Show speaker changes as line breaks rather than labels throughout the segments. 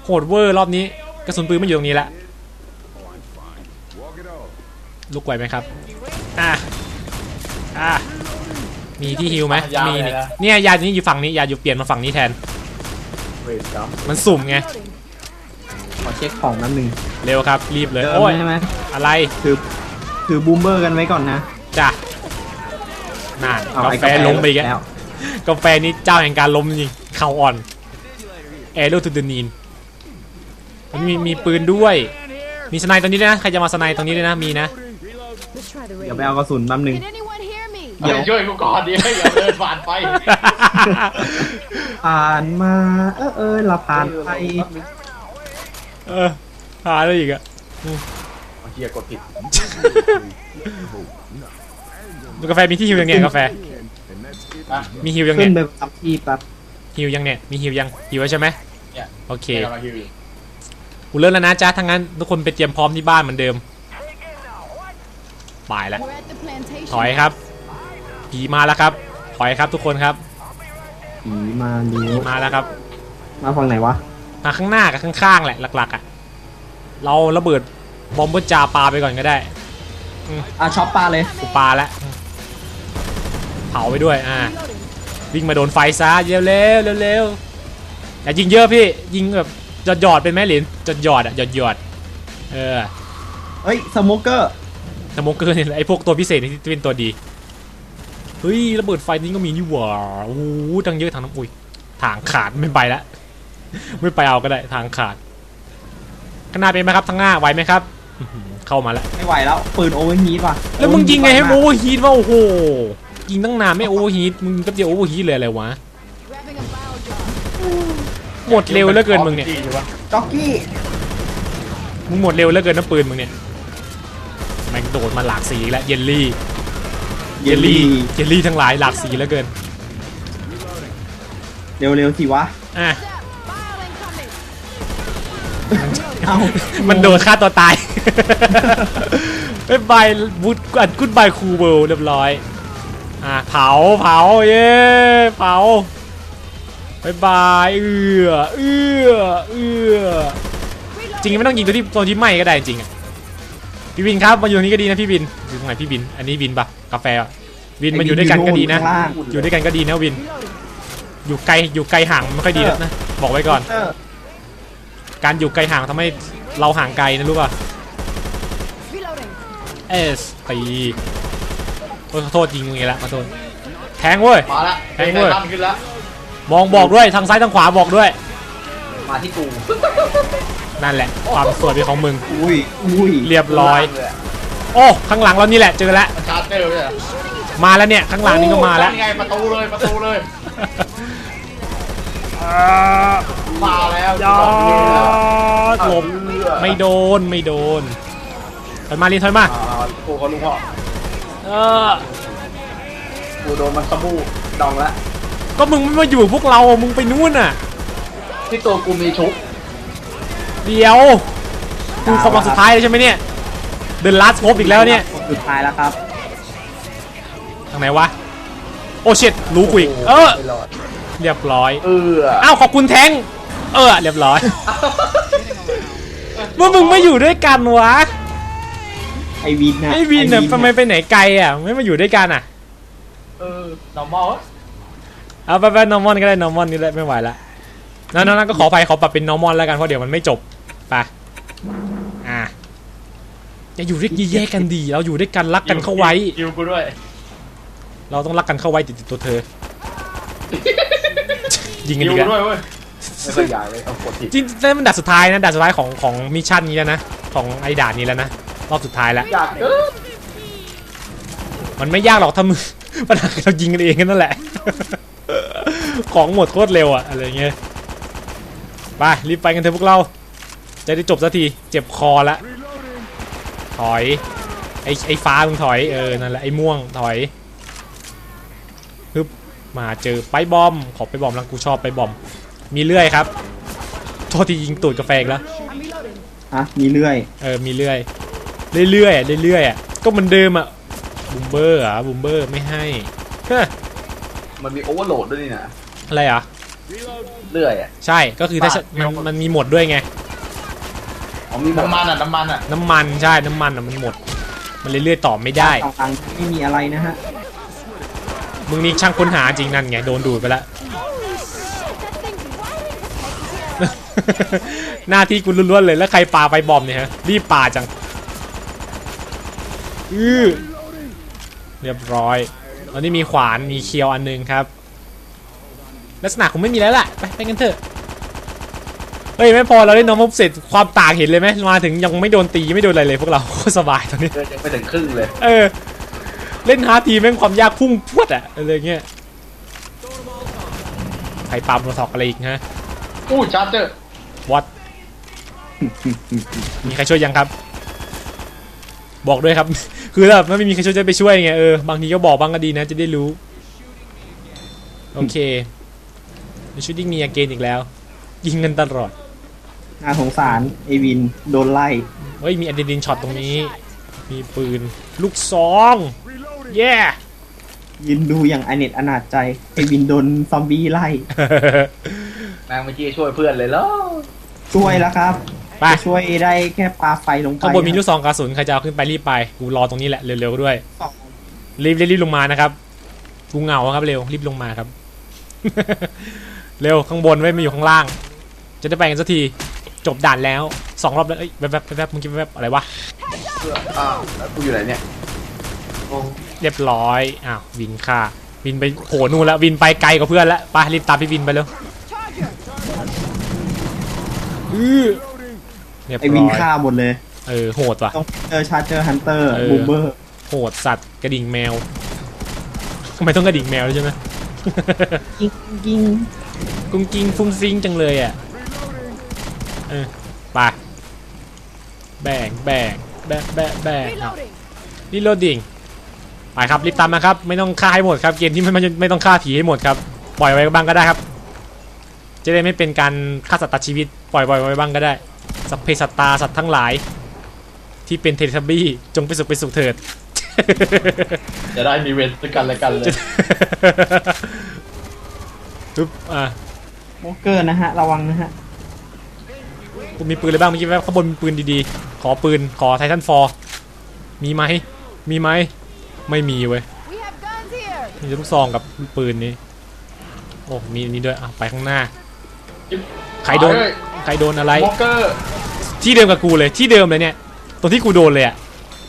โหดเวอร์รอบนี้กระสุนปืนไม่อยู่ตรงนี้ละลุกไหวไหมครับมีที่ฮิวไหมมีเนี่ยยานี้อยู่ฝั่งนี้ยาอยู่เปลี่ยนมาฝั่งนี้แทนมันสุ่มไง
ขอเช็คของน้ำหนึ่ง
เร็วครับรีบเลยโอ้ยอะไร
ถือบูมเบอร์กันไว้ก่อนนะ
จ้ะน่ากาแฟล้มไปอีกแล้วกาแฟนี้เจ้าแห่งการล้มจริงเข่าอ่อนแอโรทูเดนีนมีปืนด้วยมีสไนตรงนี้ด้วยนะใครจะมาสไนตรงนี้ด้วยนะมีนะ
เดี๋ยวไปเอากระสุนแป๊บนึง
เดี๋ยวช่วยกูก่อนดิอย่าเดินผ่านไป
ผ่านมาเราผ่านไป
หาอะไรอีกอะ
เฮียกดผิด
กาแฟมีที่ฮิวยังเนี่ยกาแฟมีฮิวยังเนี่ย
ขึ้นไปทับที่ปั๊บ
ฮิวยังเนี่ยมีฮิวยังฮิวไว้ใช่ไหมโอเคกูเริ่มแล้วนะจ๊ะทั้งนั้นทุกคนไปเตรียมพร้อมที่บ้านเหมือนเดิมไปแล้วถอยครับผีมาแล้วครับถอยครับทุกคนครับ
ผีมา
แล้วครับ
มาฝั่งไหนวะ
มาข้างหน้ากับข้างๆแหละหลักๆอ่ะเราระเบิดบอมเบอร์จาปาไปก่อนก็ได้
ช็อปปลาเลย
กูปาแล้วเผาไปด้วยวิ่งมาโดนไฟซะเร็วอย่ายิงเยอะพี่ยิงแบบหยอดเป็นแม่หลินหยอด
เฮ้ยสโมเกอร์
เนี่ยไอพวกตัวพิเศษที่เป็นตัวดีเฮ้ยระเบิดไฟนี่ก็มีนี่หว่าโอ้โหทั้งเยอะทั้งน้ำอุ้ยทางขาดไม่ไปละไม่ไปเอาก็ได้ทางขาดข้างหน้าเป็นไหมครับทางหน้าไหวไหมครับเข้ามาแล้ว
ไม่ไหวแล้วปืนโอเวอร์ฮีทว่ะ
แล้วมึงยิงไงให้โอเวอร์ฮีทวะโอ้โหยิงตั้งนานไม่โอเวอร์ฮีทมึงก็จะโอเวอร์ฮีทเลยอะไรวะหมดเร็วเหลือเกินมึงเนี่ย
จ็อกกี้
มึงหมดเร็วเหลือเกินน้ำปืนมึงเนี่ยแม่งโดดมาหลากสีแล้วเยลลี่ทั้งหลายหลากสีเหลือเกิน
เร็วสิวะ
มันโดนฆ่าตัวตายบายบูทกูดบายคูเบิลเรียบร้อยเผาเย้เผาบายจริงไม่ต้องยิงตัวที่ไหม้ก็ได้จริงพี่บินครับมาอยู่ตรงนี้ก็ดีนะพี่บินอยู่ตรงไหนพี่บินอันนี้บินปะกาแฟบินมาอยู่ด้วยกันก็ดีนะอยู่ด้วยกันก็ดีนะบินอยู่ไกลห่างไม่ค่อยดีนะบอกไว้ก่อนการอยู่ไกลห่างทำให้เราห่างไกลนะรู้ป่ะตีขอโทษยิงอย่างงี้ละขอโทษแทงเว้ย
มาละ
แทงเว้ย
ขึ้นละ
มองบอกด้วยทางซ้ายทางขวาบอกด้วย
มาที่กู
นั่นแหละความสวยเป็นของมึง
อุ้ย
เรียบร้อยโอ้ข้างหลังเรานี่แหละเจอแล้ว
ชาร์จเตอร์เลย
มาแล้วเนี่ยข้างหลังนี่ก็มาแล้ว
ไงประตูเลยมาแล้ว
หลบไม่โดนถอยมาลีนถอยมา
กูก็รู้พ่อกูโดนมันสบู่ดองแล้ว
ก็มึงไม่มาอยู่พวกเรามึงไปนู่นน่ะ
ที่ตัวกูมีชุบ
เดี๋ยวกูเข้ามาสุดท้ายเลยใช่ไหมเนี่ยเดินลัดโคบอีกแล้วเนี่ย
สุดท้ายแล้วครับ
ทางไหนวะโอเช็ดรู้กูอีกเรียบร้อยอ้าวขอบคุณแทงเรียบร้อยว่ามึงไม่อยู่ด้วยกันวะ
ไอวิน
เนี่ยทำไมไปไหนไกลไม่มาอยู่ด้วยกัน
normal
เอาไป normal ก็ได้ normal นี่แหละไม่ไหวละนั่นก็ขอปรับเป็น normal แล้วกันเพราะเดี๋ยวมันไม่จบไปจะอยู่ด้วยแยกกันดีเราอยู่ด้วยกันรักกันเข้าไว้
อยู่กูด้วย
เราต้องรักกันเข้าไว้ติดตัวเธอยิงกันอีกแล้ว
ไม่ค่อยใหญ่เลยเอากดผิด
จริงๆนั่นมันด่านสุดท้ายนะด่านสุดท้ายของมิชชั่นนี้แล้วนะของไอ้ด่านนี้แล้วนะรอบสุดท้ายแล้วมันไม่ยากหรอกถ้ามึงปัญหาเรายิงกันเองนั่นแหละของหมดโคตรเร็วอะไรเงี้ยไปรีบไปกันเถอะพวกเราจะได้จบสักทีเจ็บคอละถอยไอ้ฟ้ามึงถอยนั่นแหละไอ้ม่วงถอยฮึบมาเจอไปบอมขอไปบอมแล้วกูชอบไปบอมมีเลื่อยครับโทษที่ยิงตูดกาแฟแล้ว
มีเลื่อย
มีเลื่อยก็เหมือนเดิมบูมเบอร์ไม่ให้
มันมีโอเวอร์โหลดด้วยนี่นะ
อะไร
เรื่อยอ่ะ
ใช่ก็คือถ้ามันมีหมดด้วยไง
อ๋อมีน้ำมันอ่ะ
น้ำมันใช่น้ำมันอ่ะมันหมด มันเรื่อยๆต่อไม่ได้
ต่างๆไม่มีอะไรนะฮะ
มึงนี่ช่างค้นหาจริงนั่นไงโดนดูดไปแล้ว หน้าที่กูล้วนๆเลยแล้วใครปาไปบอมเนี่ยฮะรีบปาจังเรียบร้อยตอนนี้มีขวานมีเคียวอันนึงครับลักษณะคงไม่มีแล้วล่ะไปกันเถอะเฮ้ยไม่พอเราได้น้องมุกเสร็จความต่างเห็นเลยไหมมาถึงยังไม่โดนตีไม่โดนอะไรเลยพวกเราโคตรสบายตอนนี้
ยังไม่ถึงครึ่งเลย
เล่นฮาร์ดทีแม่งความยากพุ่งพรวดอะอะไรเงี้ยใครปาโปรทอกอะไรอีกฮะ
อู้ชาร์เจอร์
วัด มีใครช่วยยังครับ บอกด้วยครับ คือแบบไม่มีใครช่วยจะไปช่วยไงบางทีก็บอกบ้างก็ดีนะจะได้รู้โอเคชูดิ้งมีอาเกนอีกแล้วยิงกันตลอด
น่าสงสารไอวินโดนไล่
เฮ้ยมีอะดรีนาลีนช็อตตรงนี้มีปืนลูกซอง เย้
ยืนดูอย่างอเนจอนาจใจไอวินโดนซอมบี้ไล่
แม่งเมื่อกี้ช่วยเพื่อนเลยเหรอ
ช่วยแล้วครับ
ไป
จะช่วยได้แค่ปาไฟลงไป
ข้างบนมีลูกซองกระสุนใครจะเอาขึ้นไปรีบไปกูรอตรงนี้แหละเร็วๆด้วยรีบลงมานะครับกูเหงาครับเร็วรีบลงมาครับ เร็วข้างบนไว้มาอยู่ข้างล่าง จะได้ไปกันสักทีจบด่านแล้ว2 รอบแล้วเอ้ยแบบมึงคิดแบบอะไรวะ
แล้วกูอยู่ไหนเนี่ย
เรียบร้อยอ้าววินฆ่าวินไปโผล่นู่นแล้ววินไปไกลกว่าเพื่อนแล้วไปรีบตามพี่วินไปเร็วเรียบ
ไอวิ
ร้
น
อย
ฆ่าหมดเลย
โหดว่ะ
ต้องชาร์เจอร์ฮันเตอร์บูมเบอร์
โหดสัตว์กระดิ่งแมวทำไมต้องกระดิ่งแมวด้วยใช่ไหม
กิ้งกิ้ง
กุ้งกิ้งฟุ้งฟิ้งจังเลยอ่ะไปแบ่งรีโหลดดิ้งไปครับรีบตามมาครับไม่ต้องฆ่าให้หมดครับเกมที่ไม่ต้องฆ่าผีให้หมดครับปล่อยไว้บ้างก็ได้ครับจะได้ไม่เป็นการฆ่าสัตว์ตัดชีวิตปล่อยไว้บ้างก็ได้สัพเพสัตตาสัตว์ทั้งหลายที่เป็นเทเลทับบี้จงไปสุขเถิด
จะได้มีเวรด้วยกันและกันเลย
ปึ๊บ
โมเกอร์นะฮะระวังนะฮะ
กูมีปืนอะไรบ้างเมื่อกี้ข้างบนมีปืนดีๆขอปืนขอไททันฟอร์มีไหมไม่มีเว้ยมีแต่ลูกซองกับปืนนี้โอ้มีนี่ด้วยไปข้างหน้าใครโดนอะไร
โมเกอร์
ที่เดิมกับกูเลยที่เดิมเลยเนี่ยตรงที่กูโดนเลยอะ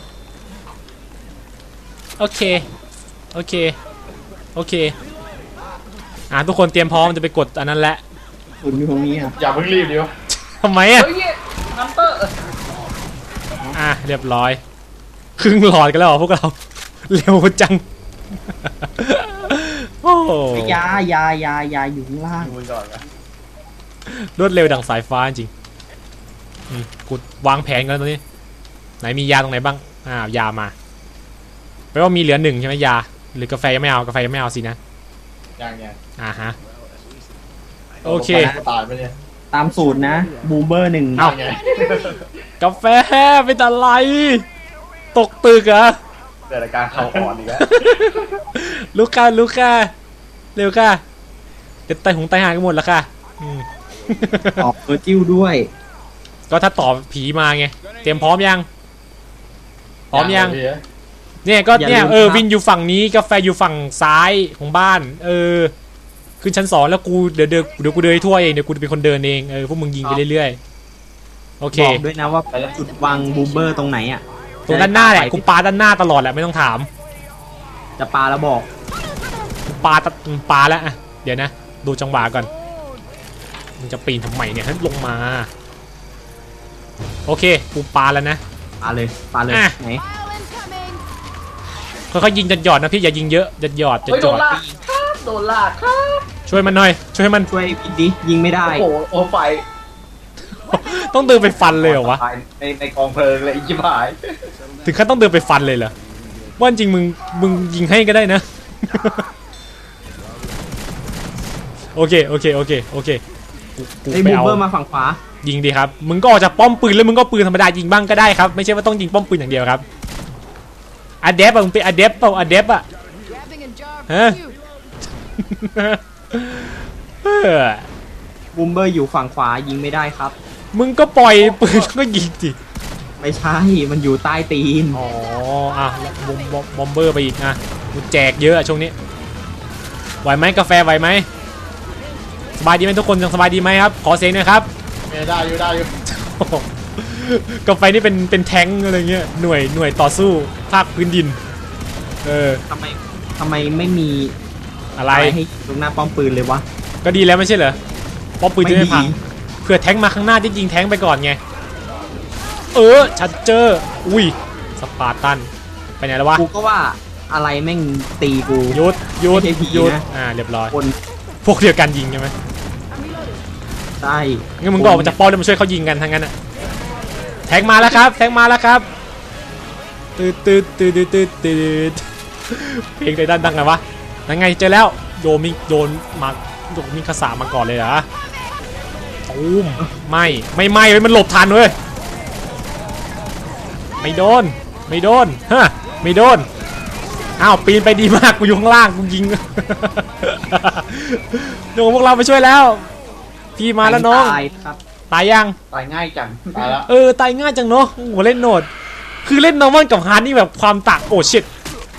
โอเคทุกคนเตรียมพร้อมจะไปกดอันนั้นแหละ
ศูนย์อยู่ตรงนี้อ่ะ
อย่าเพิ่งรีบดิวะ
ทำไมอะ
เฮ้ยฮันเตอร์
เรียบร้อยครึ่งหลอดกันแล้วเหรอพวกเรา เร็วจัง โอ้
ยาอยู่ข้างล่าง
ดูก่อนนะ
รวดเร็วดังสายฟ้าจริงกูวางแผนกันตรงนี้ไหนมียาตรงไหนบ้างยามาแปลว่ามีเหลือ1ใช่ไหมยาหรือกาแฟยังไม่เอาสินะ
ยัง
ฮะโอเค
ตายไปเนี่ย
ตามสูตรนะบูมเบอร์1
เอา
ไง
กาแฟเป็นอะไรตกตึกเหรอ
เกิดอาการเข่าอ่อนอีกแล้ว
ลูกค้าเร็วค่ะเดี๋ยวไตหงไตหายกันหมดแล้วค่ะ
ออกเออจิ้วด้วย
ก็ถ้าตอบผีมาไงเตรียมพร้อมยังเนี่ยก็เนี่ยวินอยู่ฝั่งนี้กาแฟอยู่ฝั่งซ้ายของบ้านขึ้นชั้น2แล้วกูเดี๋ยวกูเดินทั่วเองเดี๋ยวกูเป็นคนเดินเองพวกมึงยิงไปเรื่อยๆโอเค
บอกด้วยนะว่าจุดวางบูมเบอร์ตรงไหนอ่ะ
ตรงด้านหน้าแหละกูปาด้านหน้าตลอดแหละไม่ต้องถาม
จะปาแล้วบอก
กูปาแล้วอ่ะเดี๋ยวนะดูจังหวะก่อนมึงจะปีนทำไมเนี่ยให้ลงมาโอเคกูปาแล้วนะ
ปาเลยไหน
ค่อยๆยิงหยอดนะพี่อย่ายิงเยอะหยอด
โดนลากครับโดนลากครับ
ช่วยมันหน่อยช่วยมัน
ช่วยพิดดิยิงไม่ได้
โอ้โหไฟ
ต้องเดินไปฟันเลยเหรอวะ
ในกองเพลิงเลยอีจิ๋วหาย
ถึงขั้นต้องเดินไปฟันเลยเหรอว่าจริงมึงยิงให้ก็ได้นะ โอเคกู
ไอ้
ไป
บูม
เอา
เบอร์มาฝั่งขวา
ยิงดีครับมึงก็ออกจากป้อมปืนแล้วมึงก็ปืนธรรมดายิงบ้างก็ได้ครับไม่ใช่ว่าต้องยิงป้อมปืนอย่างเดียวครับอะเดฟมึงเป็นอะเดฟเปล่าอะเดฟฮะอร์
บูมเบอร์อยู่ฝั่งขวายิงไม่ได้ครับ
มึงก็ปล่อยปืนก็ยิงสิ
ไม่ใช่มันอยู่ใต้ตีน
อ๋ออ่ะบอมเบอร์ไปอีกนะกูแจกเยอะอะช่วงนี้ไหวไหมกาแฟไหวไหมสบายดีไหมทุกคนยังสบายดีไหมครับขอเสียงหน่อยครับ
ได้อยู่
โอ้โหกาแฟนี่เป็นแท้งอะไรเงี้ยหน่วยต่อสู้ภาคพื้นดิน
ทำไมไม่มี
อะไร
ให้ตรงหน้าป้อมปืนเลยวะ
ก็ดีแล้วไม่ใช่เหรอป้อมปืนจะ
ไม่
ไม่
ดี
พังเผื่อแท้งมาข้างหน้าจะยิงแท้งไปก่อนไงชัดเจออุ้ยสปาร์ตันไปไหนแล้ววะ
กูก็ว่าอะไรแม่งตีกู
หยุด
ไม่ใช่ผี
หยุด
นะ
เรียบร้อย
คน
พวกเดียวกันยิงใช่ไหม
ใช่
งั้นมึงก็ออกมาจากป้อมแล้วมาช่วยเขายิงกันทั้งนั้นอะแทงมาแล้วครับแทงมาแล้วครับตืดเพลงในด้านดังไงวะนั่นไงเจอแล้วโยมิคาสามาก่อนเลยเหรอตูมไม่เว้ยมันหลบทันเว้ยไม่โดนฮะไม่โดนอ้าวปีนไปดีมากกูอยู่ข้างล่างกูยิงเดี๋ยวพวกเราไปช่วยแล้วพี่มาแล้วน้อง
ตายครับ
ตายยัง
ตายง่ายจังตายแล้ว
ตายง่ายจังเนาะโหเล่นโหนดคือเล่นนอร์มอนกับฮาร์ดนี่แบบความต่างโอ้ชิต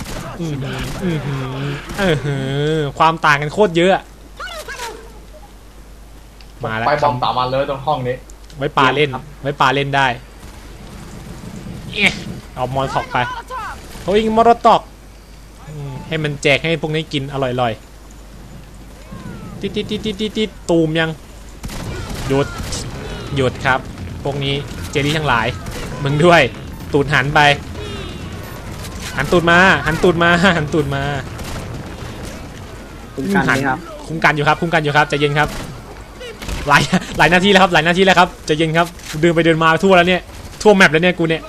ความต่างกันโคตรเยอะมาแล้ว
ไปบอมตามมาเลยตรงห้องนี้
ไว้ปาเล่นได้เอามอนท็อกไปเขายิงมอร์ตอกให้มันแจกให้พวกนี้กินอร่อยๆติดตูมยังหยุดครับพวกนี้เจลลี่ทั้งหลายมึงด้วยตูดหันไปหันตูดมา
คุ้มกันไหมครับ
คุ้มกันอยู่ครับใจเย็นครับหลายนาทีแล้วครับใจเย็นครับเดินไปเดินมาทั่วแล้วเนี่ยทั่วแมปแล้วเนี่ยกูเนี่ย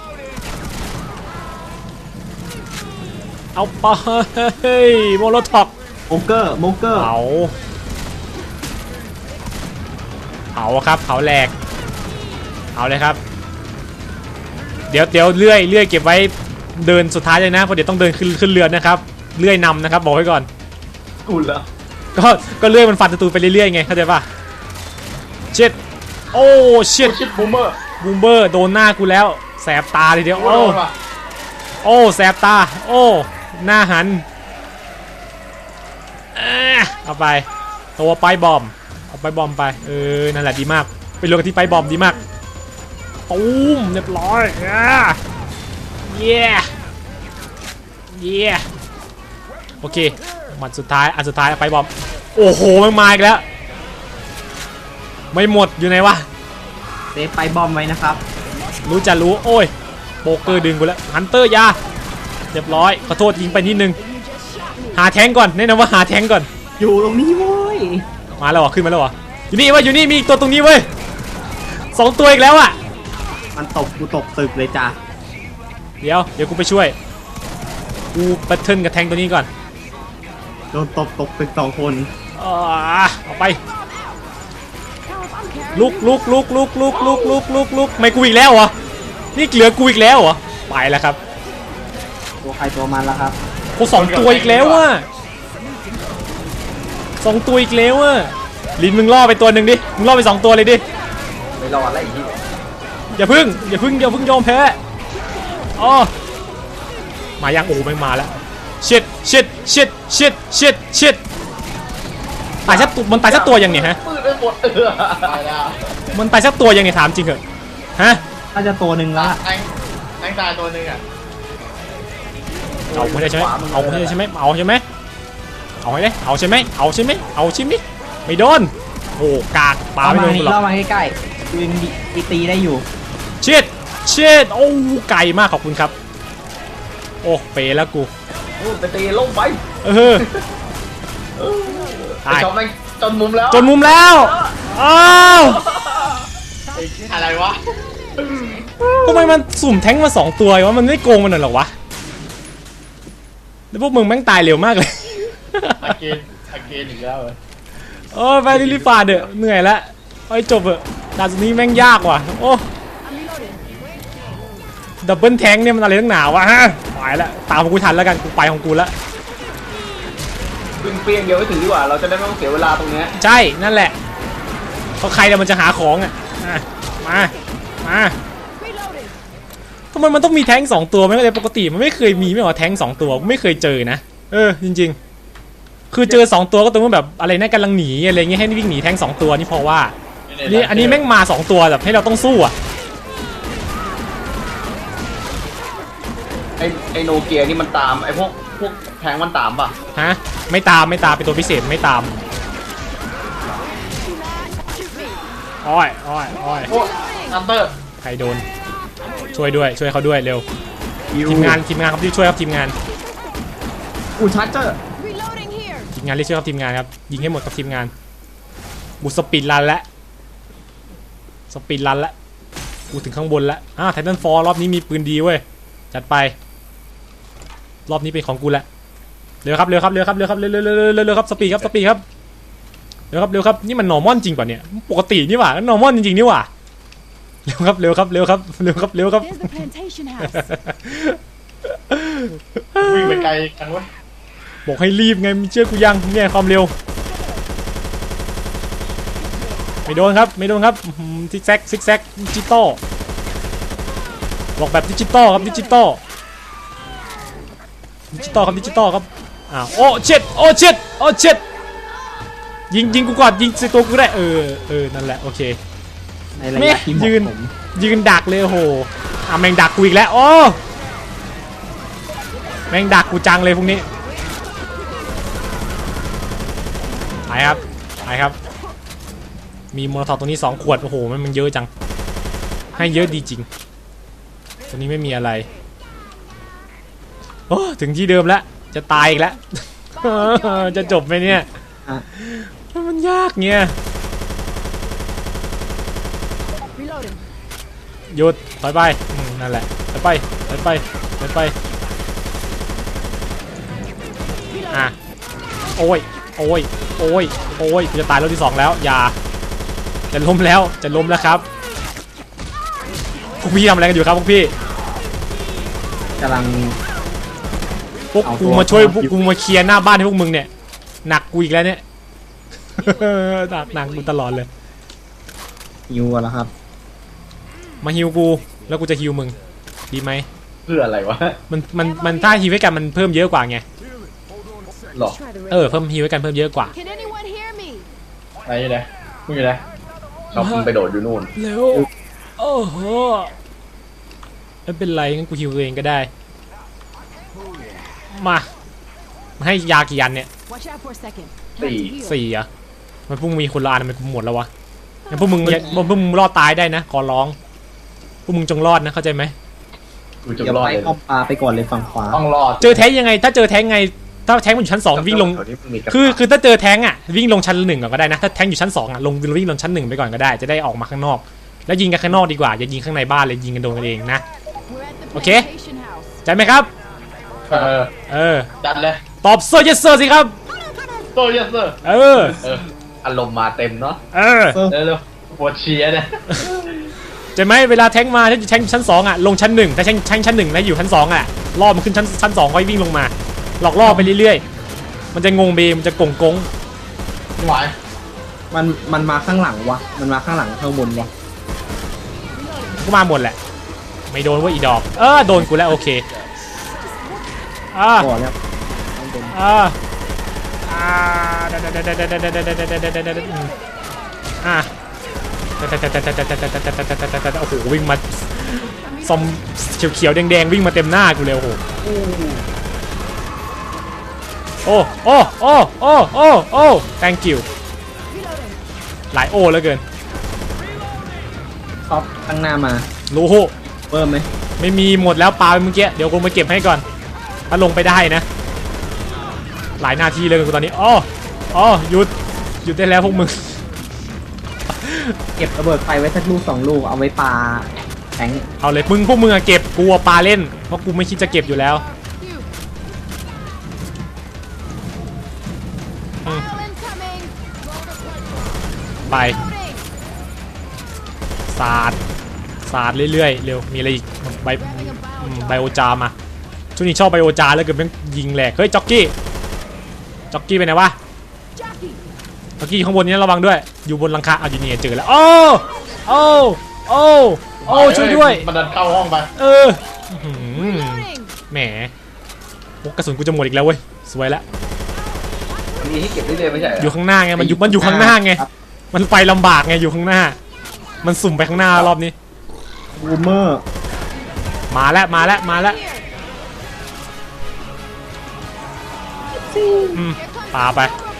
เอาไปโมโลท็อก
โมเกอร์
เผาครับเผาแหลกเอาเลยครับเดี๋ยวเลื่อยเก็บไว้เดินสุดท้ายเลยนะเพราะเดี๋ยวต้องเดินขึ้นเรือนะครับเลื่อยนำนะครับบอกไว้ก่อน
กูแล้ว
ก็เลื่อยมันฟันศัตรูไปเรื่อยๆไงเข้าใจป่ะเช็ดโอ้เช็ด
บูมเบอร์
โดนหน้ากูแล้วแสบตาเลยเดียวโอ้แสบตาโอ้หน้าหันเอาไปตัวไปบอมเอาไปบอมไปนั่นแหละดีมากไปลงกันที่ไปบอมดีมากตูมเรียบร้อยเย้โอเคอันสุดท้ายไปบอมโอ้โหมันมาอีกแล้วไม่หมดอยู่ไหนวะ
เซฟไปบอมไว้นะครับ
รู้โอ้ยโป๊กเกอร์ดึงกูแล้วฮันเตอร์ยาเรียบร้อยขอโทษยิงไปนิดนึงหาแทงก่อนแนะนำว่าหาแทงก่อน
อยู่ตรงนี้เว้ย
มาแล้วเหรอขึ้นมาแล้วเหรออยู่นี่มีอีกตัวตรงนี้เว้ย2ตัวอีกแล้วอ่ะ
มันกูตกตึกเลยจ้ะ
เดี๋ยวกูไปช่วยกูแบทเทิลกับแทงตัวนี้ก่อน
โดนตกตึก2 คน
เอาไปลุกไม่กูอีกแล้วเหรอนี่เหลือกูอีกแล้วเหรอไปแล้วครับ
ตัวใครตัวมันแล้วครับ
กู2 ตัวอีกแล้วว่ะ2 ตัวอีกแล้วอ่ะลินมึงล่อไปตัวหนึ่งดิมึงล่อไป2 ตัวเลยดิ
ไม่รอดอะไรอีก
อย่าพึ่งยอมแพ้มายังโอ้ไม่มาแล้วชิดตายสักตัวมันตายสักตัวยังเนี่ยฮะ
ปืนไปหมดตายแล้ว
มันตายสักตัวยังเนี่ยถามจริงเหรอฮะ
น่าจะตัวหนึ่งละ
แทงตายตัวหนึ่งอ่ะ
เอาไม่ได้ใช่ไหมเอาให้ได้ใช่ไหมไม่โดนโอ้กากปาไม่โดนหรอก
เรามาใกล้ๆยิงตีได้อยู่
เชิดโอ้ไกลมากขอบคุณครับโอ้เป๋แล้วกู
ไปตีลงไป
ตาย
จนมุมแล้ว
อ้าว
อะไรวะ
ทำไมมันสุ่มแท้งมา2 ตัววะมันไม่โกงมันหรอวะแล้วพวกมึงแม่งตายเร็วมากเลย
อาเกนอีกแล้ว
ไปรีบๆฟาดเด้อเหนื่อยแล้วไปจบเถอะด่านนี้แม่งยากว่ะโอ้ดับเบิลแทงเนี่ยมันอะไรตั้งหนาวะฮะไปแล้วตามกูทันแล้วกันกูไปของกูแล้ว
วิ่งเปรี้ยงเดียวให้ถึงดีกว่า เราจะได้ไม่ต้องเสียเวลาตรงเนี้ย
ใช่นั่นแหละเขาใครแล้วมันจะหาของอ่ะมาทำไมมันต้องมีแท้ง2ตัวไม่เข้าใจปกติมันไม่เคยมีไม่หรอแท้ง2ตัวไม่เคยเจอนะจริงๆคือเจอ2ตัวก็ตรงแบบอะไรนะกำลังหนีอะไรเงี้ยให้วิ่งหนีแท้ง2ตัวนี่พอว่านี่อันนี้แม่งมา2ตัวแบบให้เราต้องสู้อ่ะ
ไอโนเกียนี่มันตามไอพวกแทงมันตามป่ะ
ฮะไม่ตามเป็นตัวพิเศษไม่ตามอ้อย
โอ้ฮันเตอร์
ใครโดนช่วยเขาด้วยเร็วทีมงานครับที่ช่วยครับทีมงาน
ชาร์เจอร์
ทีมงานเรียกช่วยครับทีมงานครับยิงให้หมดกับทีมงานบูสปีดรันแล้วกูถึงข้างบนแล้วไททันฟอร์รอบนี้มีปืนดีเว้ยจัดไปรอบนี้เป็นของกูละเร็วครับสปีดครับเร็วครับนี่มันนอร์มอนจริงป่ะเนี่ยปกตินี่หว่านอร์มอนจริงๆนี่หว่าเร็วครับ
วิ่งไปไกลกันวะ
บอกให้รีบไงมีเชื่อกูยังเนี่ยความเร็วไม่โดนครับซิกแซกดิจิตอลบอกแบบดิจิตอลครับโอ้เช็ดยิงกูก่อนยิงใส่ตัวกูได้นั่นแหละโอเค
ในระยะที่เหมาะสม
ยืนดักเลยโอ้โหแม่งดักกูอีกแล้วโอ้แม่งดักกูจังเลยพวกนี้ไปครับมีโมโนทอปตรงนี้2 ขวดโอ้โหมันเยอะจังให้เยอะดีจริงตรงนี้ไม่มีอะไรโอ้ถึงที่เดิมแล้วจะตายอีกแล้ว จะจบไหมเนี่ยมันยากเงี้ยหยุดถอยไปนั่นแหละถอยไปโอ้ยกูจะตายรอบที่2แล้วอย่าจะล้มแล้วครับพวกพี่ทำอะไรกันอยู่ครับพวกพี่
กำลัง
พวกกูมาช่วยพวกกูมาเคลียร์หน้าบ้านให้พวกมึงเนี่ยหนักกูอีกแล้วเนี่ย หนักกูตลอดเลย
ฮิวแล้วครับ
มาฮิวกูแล้วกูจะฮิวมึงดีไหม
เพื่ออะไรวะ
มันถ้าฮิวให้กันมันเพิ่มเยอะกว่าไง
หรอ
เพิ่มฮิวให้กันเพิ่มเยอะกว่า
ไหนอยู่ไหนมึงอยู่ไหนเขาไปโดดอยู่นู่น
เร็วโอ้โหไม่เป็นไรงั้นกูฮิวตัวเองก็ได้มาให้ยากี่อันเนี่ย 4อ่ะมันพวกมึงมีคนละอันมันกูหมดแล้ววะงั้นพวกมึงรอดตายได้นะขอร้องพวกมึงจงรอดนะเข้าใจไหม
กูจะ
เดี๋ยว
รอด
ไป
เลย
เข้าปลาไปก่อนเลยฝั่งขวา
ต้องรอด
เจอแท้งยังไงถ้าเจอแท้งไงถ้าแท้งมันอยู่ชั้น2วิ่งลงคือถ้าเจอแท้งอ่ะวิ่งลงชั้น1ก่อนก็ได้นะถ้าแท้งอยู่ชั้น2อ่ะวิ่งลงชั้น1ไปก่อนก็ได้จะได้ออกมาข้างนอกแล้วยิงกันข้างนอกดีกว่าอย่ายิงข้างในบ้านเลยยิงกันโดนกันเองนะโอเคใจไหมครับ
จัดเลย
ตอบโซเยสเซอร์สิครับ
โตยัสเซอร์อารมณ์มาเต็มเนาะเร็วปวดเชียร์เนี่ย
ใจไหมเวลาแท้งมาถ้าแท้งชั้น2อ่ะลงชั้น1ถ้าแท้งชั้น1แล้วอยู่ชั้น2อ่ะล่อมันขึ้นชั้น2ค่อยวิ่งลงมาหลอกล่อไปเรื่อยๆมันจะงงเบมันจะกง
ไม่ไหว
มันมาข้างหลังวะมันมาข้างหลังข้างบนวะ
ก็มาหมดแหละไม่โดนว่าอีดอกโดนกูแล้วโอเค
ก่อนแล้ว
โอ้โหวิ่งมาซอมเขียวๆแดงๆวิ่งมาเต็มหน้ากูเลยโอ้โหโอ้ thank you หลายโอ้แล้วเกิน
ท็อปตั้งหน้ามา
รู้
เพิ่มไหม
ไม่มีหมดแล้วปลาไปเมื่อกี้เดี๋ยวกูมาเก็บให้ก่อนถ้าลงไปได้นะหลายนาทีเลยกูตอนนี้หยุดได้แล้วพวกมึง
เก็บระเบิดไฟไว้สักลูก2 ลูกเอาไว้ปาแทง
เอาเลยพวกมึงอะเก็บกูปลาเล่นเพราะกูไม่คิดจะเก็บอยู่แล้วไปสาดเรื่อยๆเร็วมีอะไรอีกไบโอจามาช่วงนี้ชอบไบโอจาแล้วเกิดแม่งยิงแหลกเฮ้ยจ็อกกี้จ็อกกี้ไปไหนวะจ็อกกี้ข้างบนนี้ระวังด้วยอยู่บนหลังคาเอาอยู่นี่เจอแล้วโอ้ช่วยด้วย
มันดันเข้าห้องไป
แหมกระสุนกูจะหมดอีกแล้วเว้ยสวยละ
มันมีให้เก็บได้เลยไม่ใช่
อยู่ข้างหน้าไงมันอยู่ข้างหน้าไงมันไปลำบากไงอยู่ข้างหน้ามันสุ่มไปข้างหน้ารอบนี้
บูมเมอร์
มาแล้วปาไป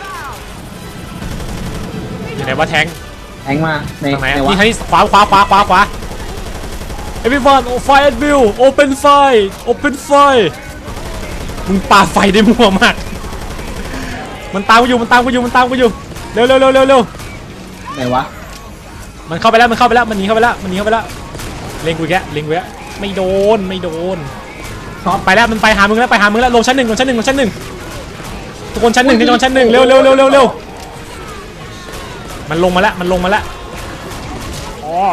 อยู่ไหนวะแทง
แทงมาใน
ทางไหน
ไหน
อะ
วะ
นี่ให้ขวา everyone fire at will open fire open fire มึงปาไฟได้มั่วมากมันตามกูอยู่เร็ว
ไหนวะ
มันเข้าไปแล้วมันหนีเข้าไปแล้วเล็งกูแกไม่โดน
ช็อต
ไปแล้วมันไปหามึงแล้วลงชั้นหนึ่งทุกคนชั้นหนึ่งเร็วมันลงมาแล้วอ๋อ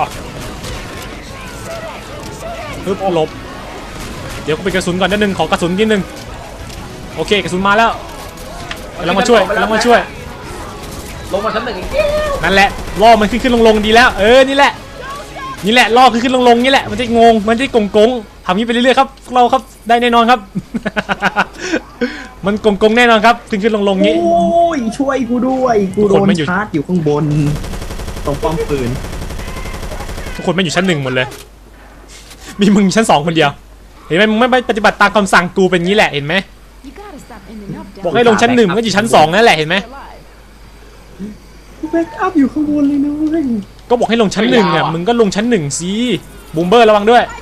ปึ๊บหลบเดี๋ยวกูไปกระสุนก่อนนิดนึงขอกระสุนนิดนึงโอเคกระสุนมาแล้วแล้วมาช่วย
ลงมาชั้นหนึ่งอีก
นั่นแหละล่อมันขึ้นลงดีแล้วนี่แหละล่อขึ้นลงนี่แหละมันจะงงมันจะกงทำนี้ไปเรื่อยๆครับพวกเราครับได้แน่นอนครับ มันกงแน่นอนครับขึ้นลงงี้
โอ้ยช่วยกูด้วยกูโดนชาร์จอยู่ข้างบนตรงป้อมปืน
ทุกคนไม่อยู่ชั้นหนึ่งหมดเลยมีมึงชั้น2คนเดียวเห็นไหมมึงไม่ปฏิบัติตามคำสั่งกูเป็นงี้แหละเห็นไหมบอกให้ลงชั้น1มันก็อยู่ชั้น2นั่นแหละเห็นไหม
แบ็กอัพอยู่ข้างบนเลยนะเว้ย
ก็บอกให้ลงชั้น1อ่ะมึงก็ลงชั้น1สิบูมเบอร์ระวังด้วย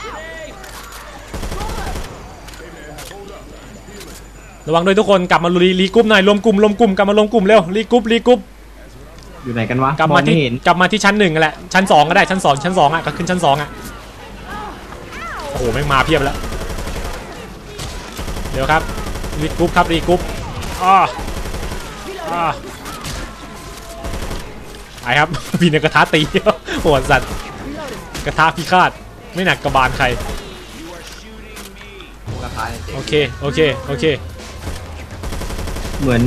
ทุกคนกลับมารีกรุ๊ปหน่อยรวมกลุ่มกลับมารวมกลุ่มเร็วรีกรุ๊ป
อยู่ไหนกันวะ
กลับมาที่ชั้น1กันแหละชั้น2ก็ได้ชั้น2อ่ะก็ขึ้นชั้น2อ่ะโอ้โหแม่งมาเพียบแล้วเดี๋ยวครับรีกรุ๊ปไปครับ พี่เนี่ยกระทะตีโหดสัตว์กระทะพิฆาตไม่หนักกระบาลใครโอเค
เหมือน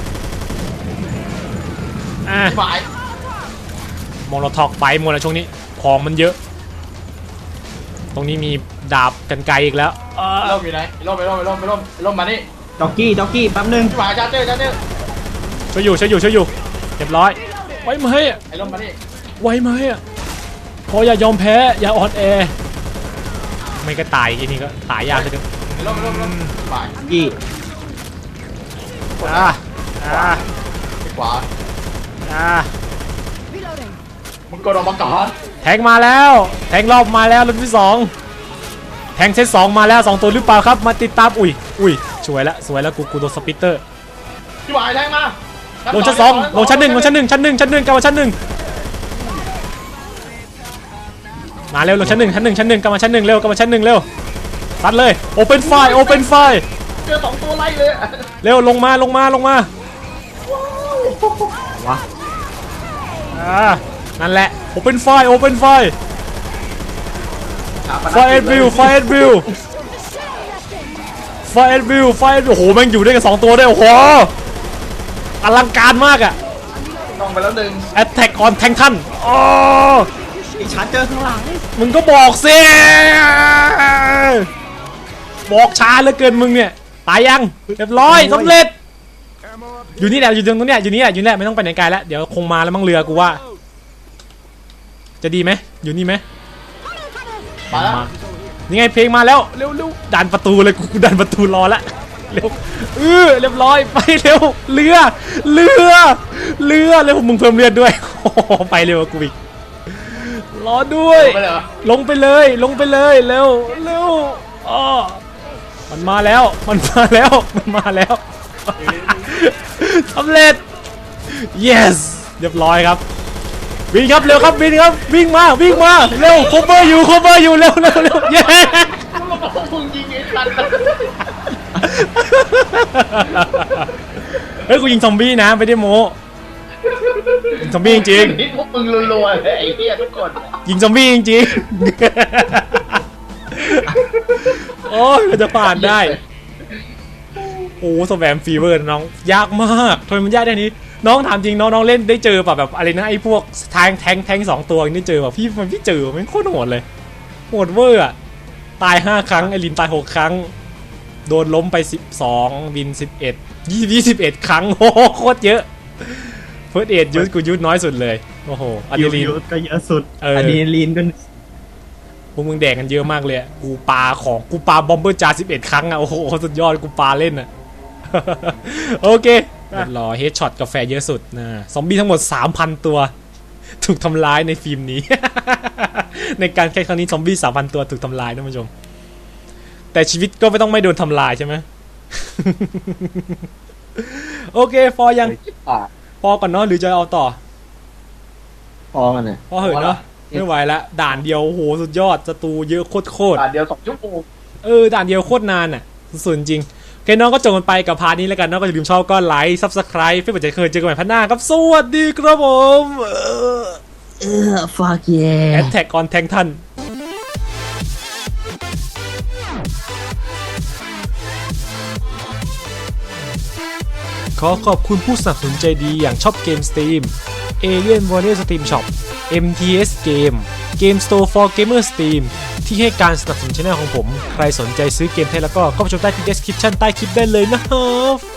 ฝ่าย
มอลโลท็อกไปหมดแล้วช่วงนี้ของมันเยอะตรงนี้มีดาบกันไกลอีกแล้ว
ร่มอยู่ไหนร่มมานี่
จ็อกกี้แป๊บนึง
ฝ่ายชาร์เจอร์
ช่วยอยู่เรียบร้อยไว้ไหม
ไอ้ร่มมานี่
ไว้ไหมพออย่ายอมแพ้อย่าอ่อนแอไม่ก็ตายอีนี่ก็ตายยากเลย
ไอ้ร่มฝ่าย
กี้
ไปขวามึงกดออกมาก่อน
แทงมาแล้วแทงรอบมาแล้วรุ่นที่2แทงเซต2มาแล้ว2ตัวหรือเปล่าครับมาติดตามอุ้ยสวยแล้วกูโดนสปิตเตอร์
พี่หวายแทงมา
ลงชั้น2ลงชั้น1กลับมาชั้น1มาเร็วลงชั้น1กลับมาชั้น1เร็วซัดเลยโอเปนไฟ
เจอ2ตัวไล่เลย
เร็วลงมา
ว้า
นั่นแหละโอเปนไฟไฟเอ็ดวิวโอ้โหแม่งอยู่ด้วยกัน2ตัวด้วยโอ้โหอลังการมากอ่ะ
ต้องไปแล้วหนึ่ง
Attack on Titan อ๋อ
ชาร์จเจอข้างหลัง
มึงก็บอกสิบอกช้าเหลือเกินมึงเนี่ยตายยังเรียบร้อยสำเร็จอยู่นี่แหละอยู่ตรงนี้อยู่นี่แหละไม่ต้องไปไหนไกลแล้วเดี๋ยวคงมาแล้วมั่งเรือกูว่าจะดีไหมอยู่นี่ไหม
มาแล้ว
นี่ไงเพลงมาแล้วเร็วดันประตูเลยกูดันประตูรอละเร็วเรียบร้อยไปเร็วเรือเร็วมึงเพิ่มเลือดด้วยไปเร็วกูอีกรอด้วยลงไปเลยเร็วอ๋อมันมาแล้วสำเร็จ yes เรียบร้อยครับวิ่งครับเร็วครับวิ่งมาเร็ว cover อยู่เร็วเย้
มึงยิงไอ้สัตว์
เฮ้ยกูยิงซอมบี้นะไม่ได้โม้ซอมบี้จริง
ๆพวกมึงรัวๆเลยไอ้เหี้ยทุกคน
ยิงซอมบี้จริงๆโอ้ยมันจะผ่านได้โอ้สแวมฟีเวอร์น้องยากมากทำไมมันยากได้นี้น้องถามจริงน้องเล่นได้เจอแบบอะไรนะไอ้พวกแทง2 ตัวนี่เจอแบบพี่เจอมันโคตรโหดเลยโหดเวอร์อะตาย5 ครั้งไอรินตาย6 ครั้งโดนล้มไป12วิน21 ครั้งโอ้โหโคตรเยอะเฟิร์สเอ็ดยูสกูยูสน้อยสุดเลยโอ้โหอะดรีนาลีน
ก็เยอะสุด
อะ
ดรีนาลีนก็
พวกมึงแดกกันเยอะมากเลยกูปาบอมเบอร์จา11 ครั้งอะโอ้โหสุดยอดกูปาเล่นอะ โอเครอเฮดช็อตกาแฟเยอะสุดนะซอมบี้ทั้งหมด 3,000 ตัวถูกทำร้ายในฟิล์มนี้ ในการแข่งครั้งนี้ซอมบี้ 3,000 ตัวถูกทำลายนะผู้ชมแต่ชีวิตก็ไม่โดนทำลายใช่ไหม โอเคพอยังพอก่อนเนาะหรือจะเอาต่อ
พอกันเนี่ย
พอเหอะเนาะไม่ไหวละด่านเดียวโอ้โหสุดยอดศัตรูเยอะโคตร
ด่านเดียว2 ชั่วโมง
ด่านเดียวโคตรนานอ่ะสุดจริงโอเคน้องก็จบกันไปกับพาร์ทนี้แล้วกันน้องก็อย่าลืมชอบก็ไลค์ Subscribe เพื่อเป็นจะเคยเจอกันใหม่พันหน้าครับสวัสดีครับผม
fuck yeah
Attack on Titan ขอขอบคุณผู้สนับสนุนใจดีอย่างช็อปเกม Steam Alien Warrior Steam Shop MTS Game Game Store for Gamer Steam ที่ให้การสนับสนุนช่องของผมใครสนใจซื้อเกมไทยแล้วก็เข้าไปชมได้ที่ description ใต้คลิปได้เลยนะครับ